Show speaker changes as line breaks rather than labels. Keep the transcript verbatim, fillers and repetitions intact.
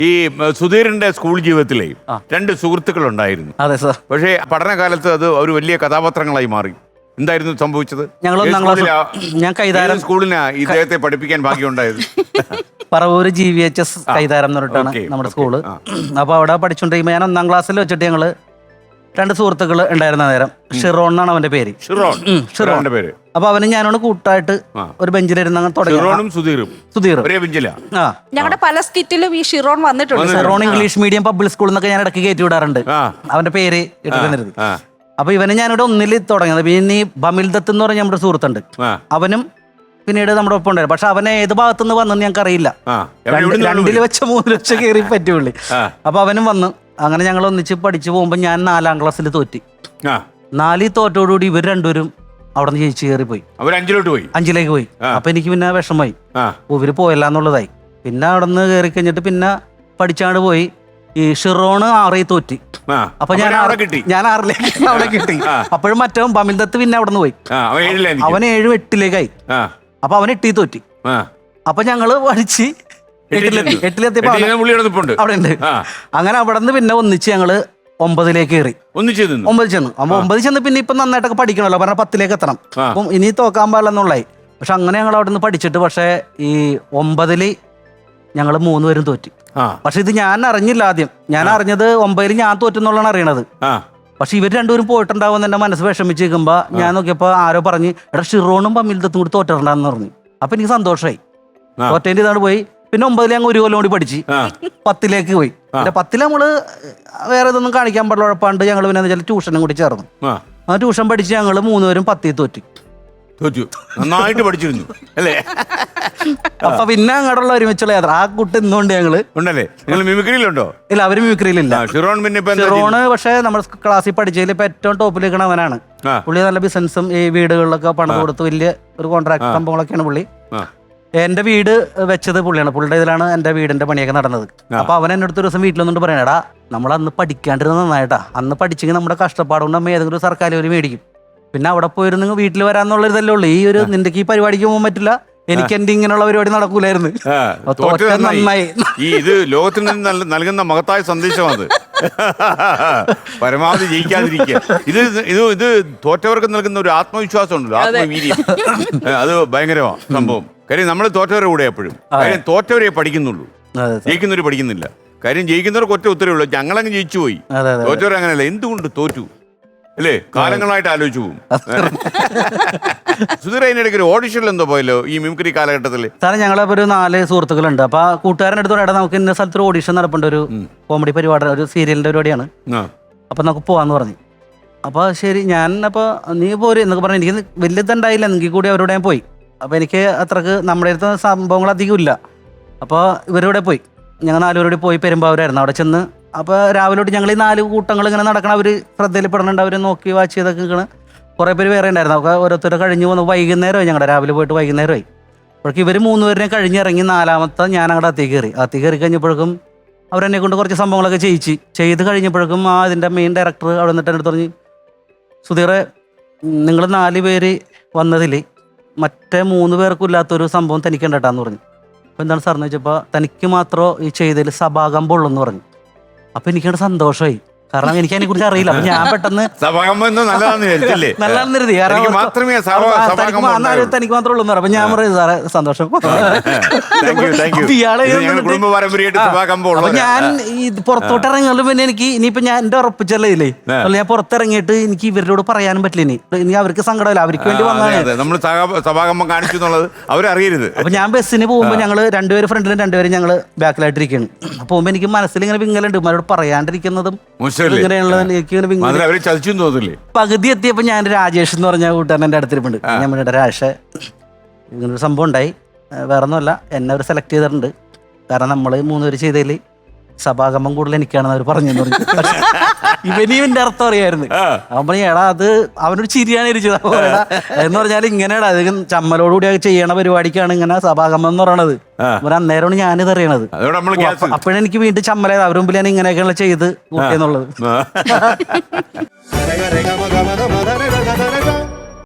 ഈ സുധീറിന്റെ സ്കൂൾ ജീവിതത്തിലെ രണ്ട് സുഹൃത്തുക്കൾ ഉണ്ടായിരുന്നു.
അതെ സാർ.
പക്ഷേ പഠനകാലത്ത് അത് ഒരു വലിയ കഥാപാത്രങ്ങളായി മാറി. എന്തായിരുന്നു സംഭവിച്ചത്?
ഞങ്ങൾ ഒന്നാം ക്ലാസ് ഞാൻ കൈതാരം
സ്കൂളിനാ ഇദ്ദേഹത്തെ പഠിപ്പിക്കാൻ ഭാഗ്യമുണ്ടായത്.
Paravur G V H S Kaitharam എന്ന് പറഞ്ഞിട്ടാണ് നമ്മുടെ സ്കൂള്. അപ്പൊ അവിടെ പഠിച്ചോണ്ടിരിക്കുമ്പോ ഞാൻ ഒന്നാം ക്ലാസ്സിൽ വെച്ചിട്ട് ഞങ്ങള് രണ്ട് സുഹൃത്തുക്കൾ ഉണ്ടായിരുന്ന നേരം. ഷിറോൺ എന്നാണ് അവന്റെ പേര്.
ഷിറോൺ പേര്.
അപ്പൊ അവന് ഞാനോട് കൂട്ടായിട്ട് ഒരു ബെഞ്ചിലിരുന്ന് തുടങ്ങി. സുധീർ
ഞങ്ങളുടെ പല സ്കിറ്റിലും ഈ ഷിറോൺ വന്നിട്ടുണ്ട്.
ഷിറോൺ ഇംഗ്ലീഷ് മീഡിയം പബ്ലിക് സ്കൂളിൽ നിന്നൊക്കെ ഞാൻ ഇടയ്ക്ക് കയറ്റി വിടാറുണ്ട്. അവന്റെ പേര് ഇട്ടിരുന്നത്. അപ്പൊ ഇവന് ഞാനിവിടെ ഒന്നിൽ തുടങ്ങിയത്. പിന്നെ ഈ ബമിൽ ദത്ത് എന്ന് പറഞ്ഞ നമ്മുടെ സുഹൃത്തുണ്ട്. അവനും പിന്നീട് നമ്മുടെ ഒപ്പം ഉണ്ടായിരുന്നു. പക്ഷെ അവനെ ഏത് ഭാഗത്തുനിന്ന് വന്നെന്ന് ഞങ്ങൾക്ക് അറിയില്ല. രണ്ടിൽ വെച്ച മൂന്ന് ലക്ഷം കയറി പറ്റുള്ളി. അപ്പൊ അവനും വന്ന് അങ്ങനെ ഞങ്ങൾ ഒന്നിച്ച് പഠിച്ചു പോകുമ്പോ ഞാൻ നാലാം ക്ലാസ്സിൽ തോറ്റി. നാലിൽ തോറ്റോടുകൂടി ഇവർ രണ്ടുപേരും അവിടെ നിന്ന് ജയിച്ചു കയറി പോയി.
പോയി
അഞ്ചിലേക്ക് പോയി. അപ്പൊ എനിക്ക് പിന്നെ വിഷമമായി. ഇവര് പോയല്ല എന്നുള്ളതായി. പിന്നെ അവിടെ നിന്ന് കയറി കഴിഞ്ഞിട്ട് പിന്നെ പഠിച്ചാണ്ട് പോയി. ഈ ഷിറോണ് ആറിൽ തോറ്റി. അപ്പൊ ഞാൻ ഞാൻ ആറിലേക്ക് അവിടെ കിട്ടി. അപ്പോഴും മറ്റവൻ ബമിൽ ദത്ത് പിന്നെ അവിടെ നിന്ന് പോയി. അവൻ ഏഴും എട്ടിലേക്കായി. അപ്പൊ അവൻ എട്ടി തോറ്റി. അപ്പൊ ഞങ്ങള് പഠിച്ച് എട്ടിലെത്തിയപ്പോ അവിടെ ഉണ്ട്. അങ്ങനെ അവിടെ നിന്ന് പിന്നെ ഒന്നിച്ച് ഞങ്ങള് ഒമ്പതിലേക്ക് കയറി. ഒമ്പത് ചെന്ന് അപ്പൊ ഒമ്പത് ചെന്ന് പിന്നെ ഇപ്പൊ നന്നായിട്ടൊക്കെ പഠിക്കണല്ലോ. പറഞ്ഞ പത്തിലേക്ക് എത്തണം. അപ്പം ഇനി തോക്കാൻ പാടില്ലെന്നുള്ളായി. പക്ഷെ അങ്ങനെ ഞങ്ങൾ അവിടെ നിന്ന് പഠിച്ചിട്ട് പക്ഷെ ഈ ഒമ്പതില് ഞങ്ങൾ മൂന്നുപേരും തോറ്റി. പക്ഷെ ഇത് ഞാൻ അറിഞ്ഞില്ല ആദ്യം. ഞാൻ അറിഞ്ഞത് ഒമ്പതിൽ ഞാൻ തോറ്റെന്നുള്ളതാണ് അറിയണത്. പക്ഷെ ഇവർ രണ്ടുപേരും പോയിട്ടുണ്ടാവും എന്റെ മനസ്സ് വിഷമിച്ച് നിൽക്കുമ്പോ ഞാൻ നോക്കിയപ്പോ ആരോ പറഞ്ഞ് എടാ ഷിറോണും ബമിൽ ദത്തും കൂടി തോറ്റിട്ടുണ്ടാന്ന് പറഞ്ഞു. അപ്പൊ എനിക്ക് സന്തോഷമായി. തോറ്റേന്റെ ഇതാണ് പോയി. പിന്നെ ഒമ്പതിൽ ഞങ്ങൾ ഒരു കൊല്ലം കൂടി പഠിച്ച് പത്തിലേക്ക് പോയി. പിന്നെ പത്തിൽ നമ്മള് വേറെ ഇതൊന്നും കാണിക്കാൻ പാടില്ല. ഉഴപ്പാണ്ട് ഞങ്ങൾ പിന്നെ വെച്ചാൽ ട്യൂഷനും കൂടി ചേർന്നു. ആ ട്യൂഷൻ പഠിച്ച് ഞങ്ങൾ മൂന്നുപേരും പത്തിൽ തോറ്റി.
തോറ്റു. നന്നായിട്ട് പഠിച്ചിരുന്നു അല്ലേ?
അപ്പൊ പിന്നെ അങ്ങോട്ടുള്ള ഒരുമിച്ചുള്ള യാത്ര. ആ കുട്ടി ഇന്നുകൊണ്ട് ഞങ്ങള്
ഉണ്ടല്ലേ? നിങ്ങൾ മിമിക്രിയിലുണ്ടോ?
ഇല്ല, അവര് മിമിക്രിയിലില്ല.
ഷിറോൺ പിന്നെ
ഷിറോണ് പക്ഷെ നമ്മുടെ ക്ലാസ്സിൽ പഠിച്ചതിൽ ഇപ്പൊ ഏറ്റവും ടോപ്പിൽ നിൽക്കണ അവനാണ്. പുള്ളി നല്ല ബിസിനസ്സും ഈ വീടുകളിലൊക്കെ പണം കൊടുത്ത് വലിയ ഒരു കോൺട്രാക്ട് സംഭവങ്ങളൊക്കെയാണ് പുള്ളി. എന്റെ വീട് വെച്ചത് പുള്ളിയാണ്. പുള്ളിയുടെ ഇതിലാണ് എന്റെ വീടിന്റെ പണിയൊക്കെ നടന്നത്. അപ്പൊ അവൻ എന്റെ അടുത്ത് ഒരു ദിവസം വീട്ടിലൊന്നും പറയണടാ, നമ്മൾ അന്ന് പഠിക്കാണ്ടിരുന്ന നന്നായിട്ടാ. അന്ന് പഠിച്ചെങ്കിൽ നമ്മുടെ കഷ്ടപ്പാടുകൊണ്ട് നമ്മ ഏതെങ്കിലും ഒരു സർക്കാർ ജോലി മേടിക്കും. പിന്നെ അവിടെ പോയിരുന്നു വീട്ടിൽ വരാന്നുള്ളൊരിതല്ലേ ഉള്ളൂ. ഈ ഒരു നിന്റെ ഈ പരിപാടിക്ക് പോകാൻ പറ്റില്ല. എനിക്ക് എന്റെ ഇങ്ങനെയുള്ള പരിപാടി നടക്കൂലായിരുന്നു. നന്നായി.
ഈ ഇത് ലോകത്തിൽ നിന്ന് നൽകുന്ന മഹത്തായ സന്ദേശമാണ്. പരമാവധി ജയിക്കാതിരിക്കുക. ഇത് ഇത് ഇത് തോറ്റവർക്ക് നൽകുന്ന ഒരു ആത്മവിശ്വാസം ഉണ്ടല്ലോ, ആത്മവീര്യം. അത് ഭയങ്കരമാണ് സംഭവം. കാര്യം നമ്മൾ തോറ്റവരെ കൂടെ എപ്പോഴും. കാര്യം തോറ്റവരെ പഠിക്കുന്നുള്ളൂ, ജയിക്കുന്നവർ പഠിക്കുന്നില്ല. കാര്യം ജയിക്കുന്നവർക്ക് ഒറ്റ ഉത്തരവേ ഉള്ളൂ, ഞങ്ങളങ്ങ് ജയിച്ചു പോയി. തോറ്റവർ അങ്ങനെയല്ല. എന്തുകൊണ്ട് തോറ്റു അല്ലേ? കാലങ്ങളായിട്ട് ആലോചിച്ചു പോകും. സുധീർ അതിനിടയ്ക്ക് ഒരു ഓഡിഷനിൽ എന്തോ പോയല്ലോ ഈ മിമിക്രി കാലഘട്ടത്തിൽ.
സാറേ ഞങ്ങളിപ്പോ ഒരു നാല് സുഹൃത്തുക്കളുണ്ട്. അപ്പൊ ആ കൂട്ടുകാരൻ്റെ അടുത്ത് പറയാം നമുക്ക് ഇന്ന സ്ഥലത്തൊരു ഓഡിഷൻ നടപ്പുണ്ട്, ഒരു കോമഡി പരിപാടി, ഒരു സീരിയലിന്റെ പരിപാടിയാണ്. അപ്പൊ നമുക്ക് പോവാന്ന് പറഞ്ഞു. അപ്പൊ ശരി ഞാൻ അപ്പൊ നീ പോര് എന്നൊക്കെ പറഞ്ഞു. എനിക്ക് വലിയ ഇതുണ്ടായില്ല. എങ്കിൽ കൂടി അവരോട് ഞാൻ പോയി. അപ്പൊ എനിക്ക് അത്രക്ക് നമ്മുടെ അടുത്ത് സംഭവങ്ങൾ അധികം ഇല്ല. അപ്പോൾ ഇവരുടെ പോയി. ഞങ്ങൾ നാലുപേരോട് പോയി പെരുമ്പാവൂരായിരുന്നു. അവിടെ ചെന്ന് അപ്പോൾ രാവിലെ തൊട്ട് ഞങ്ങൾ ഈ നാല് കൂട്ടങ്ങൾ ഇങ്ങനെ നടക്കണം. അവർ ശ്രദ്ധയിൽ പെടുന്നുണ്ട്. അവർ നോക്കി വാച്ച് ചെയ്തൊക്കെ നിൽക്കണം. കുറേ പേര് വേറെ ഉണ്ടായിരുന്നു. അപ്പോൾ ഓരോരുത്തർ കഴിഞ്ഞ് വന്നു. വൈകുന്നേരമായി ഞങ്ങളുടെ രാവിലെ പോയിട്ട് വൈകുന്നേരമായി. അപ്പോഴേക്കും ഇവർ മൂന്നുപേരിനെ കഴിഞ്ഞിറങ്ങി നാലാമത്തെ ഞാൻ അങ്ങോട്ട് അത്തി കയറി. അത്തി കയറി കഴിഞ്ഞപ്പോഴേക്കും അവരെന്നെ കൊണ്ട് കുറച്ച് സംഭവങ്ങളൊക്കെ ചെയ്യിച്ച് ചെയ്ത് കഴിഞ്ഞപ്പോഴേക്കും ആ ഇതിൻ്റെ മെയിൻ ഡയറക്ടർ അവിടെ നിന്നിട്ട് എൻ്റെ പറഞ്ഞ് സുധീറെ, നിങ്ങൾ നാല് പേര് വന്നതിൽ മറ്റേ മൂന്ന് പേർക്കും ഇല്ലാത്തൊരു സംഭവം തനിക്ക് ഉണ്ടട്ടാന്ന് പറഞ്ഞു. അപ്പോൾ എന്താണ് സാറെന്ന് വെച്ചപ്പോൾ തനിക്ക് മാത്രമോ ഈ ചെയ്തതിൽ സഭാകമ്പം ഉള്ളൂ എന്ന് പറഞ്ഞു. അപ്പൊ എനിക്കവിടെ സന്തോഷമായി. കാരണം എനിക്ക് അതിനെ കുറിച്ച് അറിയില്ല. അപ്പൊ ഞാൻ പെട്ടെന്ന് നല്ലതാണെന്ന് കരുതി. തനിക്ക് മാത്രമേ ഉള്ളൂ. അപ്പൊ ഞാൻ പറയും സാറേ സന്തോഷം. അപ്പൊ ഞാൻ ഈ പുറത്തോട്ട് ഇറങ്ങുമ്പോൾ പിന്നെ എനിക്ക് ഇനിയിപ്പോ ഞാൻ എന്റെ ഉറപ്പിച്ചല്ലേ ഇല്ലേ, ഞാൻ പുറത്തിറങ്ങിയിട്ട് എനിക്ക് ഇവരോട് പറയാനും പറ്റില്ല. ഇനി ഇനി അവർക്ക് സങ്കടമില്ല, അവർക്ക് വേണ്ടി വന്നതാണ്.
അവരറിയരുത്.
അപ്പൊ ഞാൻ ബസ്സിന് പോകുമ്പോ ഞങ്ങള് രണ്ടുപേര് ഫ്രണ്ടിലും രണ്ടുപേരും ഞങ്ങള് ബാക്കിലായിട്ടിരിക്കുകയാണ്. പോകുമ്പോ എനിക്ക് മനസ്സിൽ ഇങ്ങനെ വിങ്ങലുണ്ട്. ഇവരോട് പറയാണ്ടിരിക്കുന്നതും പകുതി എത്തിയപ്പോ ഞാൻ രാജേഷ് എന്ന് പറഞ്ഞ കൂട്ടുകാരൻ എന്റെ അടുത്തിരിപ്പുണ്ട്. ഞാൻ പറഞ്ഞ രാജേഷ് ഇങ്ങനൊരു സംഭവം ഉണ്ടായി, വേറെ ഒന്നുമല്ല, എന്നെ അവർ സെലക്ട് ചെയ്തിട്ടുണ്ട്. കാരണം നമ്മള് മൂന്നുപേര് ചെയ്തതിൽ സഭാകമ്പം കൂടുതൽ എനിക്കാണെന്ന് അവർ പറഞ്ഞു. ഇവന് ഇവന്റെ അർത്ഥം അറിയായിരുന്നു. അവൻ പറഞ്ഞു എടാ അത് അവനൊരു ചിരിയാണ് ഇരിച്ചത്. എന്ന് പറഞ്ഞാൽ ഇങ്ങനെയാണ് അത് ചമ്മലോടുകൂടി ചെയ്യണ പരിപാടിക്കാണ് ഇങ്ങനെ സഭാകമ്പം എന്ന് പറയണത്. അന്നേരമാണ് ഞാനിത് അറിയണത്. അപ്പോഴെനിക്ക് വീണ്ടും ചമ്മലായത്. അവരുടെ മുമ്പിൽ ഞാൻ ഇങ്ങനെയൊക്കെയാണ് ചെയ്ത് കൂട്ടിയെന്നുള്ളത്.